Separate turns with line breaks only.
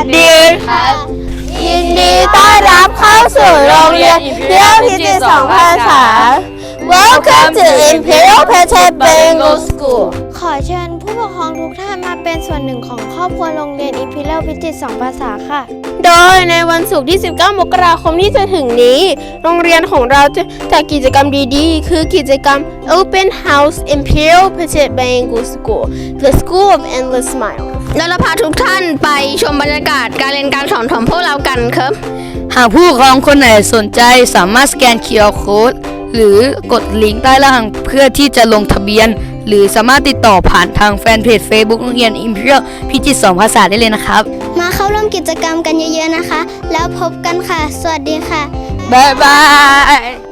ดีครับยินดีต้อนรับเข้าสู่โรงเรียนเที่ยวพิจิตร2 ภาษา Welcome to Imperial Patet Bilingual School
ขอเชิญผู้ปกครองทุกท่านมาเป็นส่วนหนึ่งของครอบครัวโรงเรียน Imperial พิจิตร2 ภาษาค่ะ
โดยในวันศุกร์ที่ 19 มกราคมที่จะถึงนี้ โรงเรียนของเราจะจัดกิจกรรมดีๆ คือกิจกรรม Open House Imperial Patet Bilingual School The School of Endless Smile
แล้วเราพาทุกท่านไปชมบรรยากาศการเรียนการสอนของพวกเรากันครับ
หากผู้ปกครองคนไหนสนใจสามารถสแกน QR Code หรือกดลิงก์ใต้ล่างเพื่อที่จะลงทะเบียน หรือสามารถติดต่อผ่านทางแฟนเพจ Facebook โรงเรียน Imperial พิจิตร2 ภาษาได้เลยนะครับ
มาเข้าร่วมกิจกรรมกันเยอะๆนะคะ แล้วพบกันค่ะ สวัสดีค่ะ
บ๊ายบาย